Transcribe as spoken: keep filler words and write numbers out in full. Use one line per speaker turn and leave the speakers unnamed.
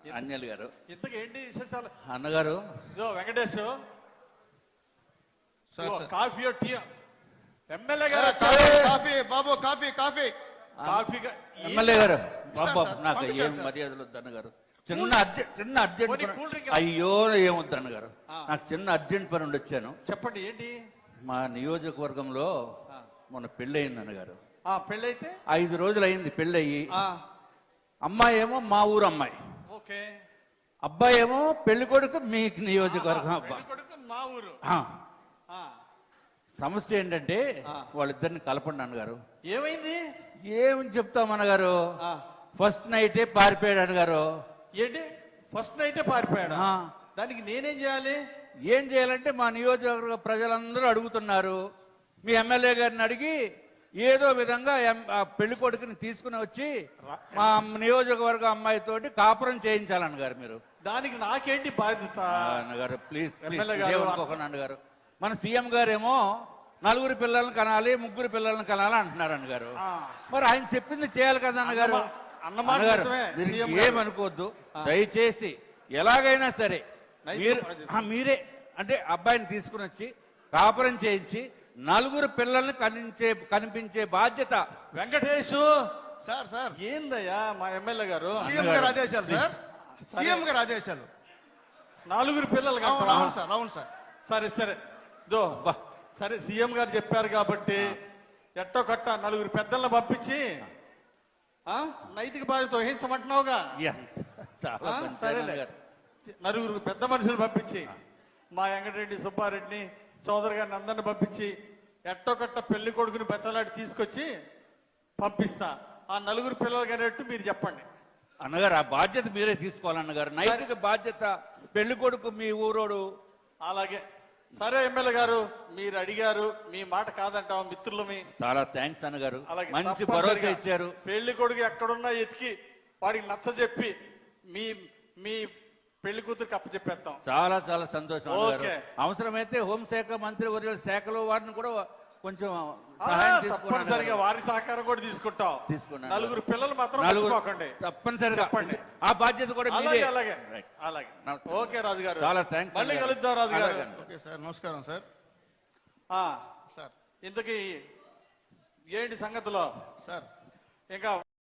అంజలి గారు.
ఇంతకు ఏంటి విశేషాలు
అన్నగారు?
ఇదో Venkatesh coffee tea MLA garu
coffee బాబు coffee coffee
coffee
MLA garu బాబు నాకు ఏం మర్యాదలు వద్దు అన్నగారు. చిన్న అర్జెంట్ చిన్న అర్జెంట్ అయ్యో ఏమొద్దు అన్నగారు. నాకు చిన్న అర్జెంట్ పని ఉండి వచ్చాను.
చెప్పండి ఏంటి?
మా నియోజకవర్గంలో మొన్న పెళ్లి అయింది అన్నగారు.
పెళ్ళి అయితే
ఐదు రోజులు అయింది పెళ్లి అయ్యి. అమ్మాయి ఏమో మా ఊరు అమ్మాయి,
ఓకే.
అబ్బాయి ఏమో పెళ్లి కొడుకు మీ నియోజకవర్గం అబ్బాయి
మా ఊరు.
సమస్య ఏంటంటే వాళ్ళిద్దరిని కలపండి అన్నగారు.
ఏమైంది?
ఏమని చెప్తాం అన్నగారు, ఫస్ట్ నైటే పారిపోయాడు అన్నగారు.
ఏంటి ఫస్ట్ నైటే పారిపోయాడు? దానికి నేనేం చేయాలి?
ఏం చేయాలంటే మా నియోజకవర్గ ప్రజలందరూ అడుగుతున్నారు. మీ ఎమ్మెల్యే గారిని అడిగి ఏదో విధంగా పెళ్లి కొడుకుని తీసుకుని వచ్చి మా నియోజకవర్గ అమ్మాయితోటి కాపురం చేయించాలన్నగారు మీరు.
దానికి నాకేంటి బాధ్యత
అన్నగారు? ప్లీజ్ అనుకోకండి అన్నగారు. మన సీఎం గారేమో నలుగురు పిల్లల్ని కనాలి, ముగ్గురు పిల్లల్ని కనాలి అంటున్నారు అన్నగారు. మరి ఆయన చెప్పింది చేయాలి కదా అన్నగారు. అన్నగారు ఏమనుకోవద్దు దయచేసి. ఎలాగైనా సరే మీరు మీరే అంటే అబ్బాయిని తీసుకుని వచ్చి కాపురం చేయించి నలుగురు పిల్లల్ని కనిపించే కనిపించే బాధ్యత.
వెంకటేష్
సార్ సార్
ఏందయ్యా మా ఎమ్మెల్యే గారు?
సీఎం గారు ఆదేశాలు సార్, సీఎం గారు ఆదేశాలు.
నలుగురు పిల్లలు
అవును సార్, అవును సార్.
సరే సరే దో సరే సీఎం గారు చెప్పారు కాబట్టి ఎట్టో కట్ట నలుగురు పెద్దలను పంపించి నైతిక బాధ్యత వహించమంటున్నావుగా. సరే నలుగురు పెద్ద మనుషులు పంపించి మా వెంకటరెడ్డి సుబ్బారెడ్డిని చౌదరి గారిని అందరిని పంపించి ఎట్టో కట్ట పెళ్లి కొడుకుని బెత్తలాడి తీసుకొచ్చి పంపిస్తా. ఆ నలుగురు పిల్లలు అనేట్టు మీరు చెప్పండి
అన్నగారు. ఆ బాధ్యత మీరే తీసుకోవాలన్నగారు, నైతిక బాధ్యత. పెళ్లి కొడుకు మీ ఊరోడు.
అలాగే సరే ఎమ్మెల్యే గారు, మీరు అడిగారు, మీ మాట కాదంటాం మిత్రులమి.
చాలా థ్యాంక్స్ అన్నగారు, మంచి భరోసా ఇచ్చారు.
పెళ్లి కొడుకు ఎక్కడున్నా ఎతికి వాడికి నచ్చ చెప్పి మీ మీ పెళ్లి కూతురికి అప్పచెప్పేస్తాం.
చాలా చాలా సంతోషం. అవసరమైతే హోంశాఖ మంత్రి వర్యుల శాఖలో వారిని కూడా కొంచెం
తప్పనిసరిగా వారి సహకారం కూడా తీసుకుంటాం. తీసుకున్నాం. నలుగురు పిల్లలు మాత్రం మర్చిపోకండి
తప్పనిసరిగా చెప్పండి. ఆ బాధ్యత కూడా
అలాగే అలాగే అలాగే. ఓకే రాజు గారు,
చాలా థ్యాంక్స్.
మళ్ళీ కలుద్దాం రాజు గారు.
ఓకే సార్, నమస్కారం సార్.
సార్ ఇంతకీ ఏంటి సంగతిలో
సార్?
ఇంకా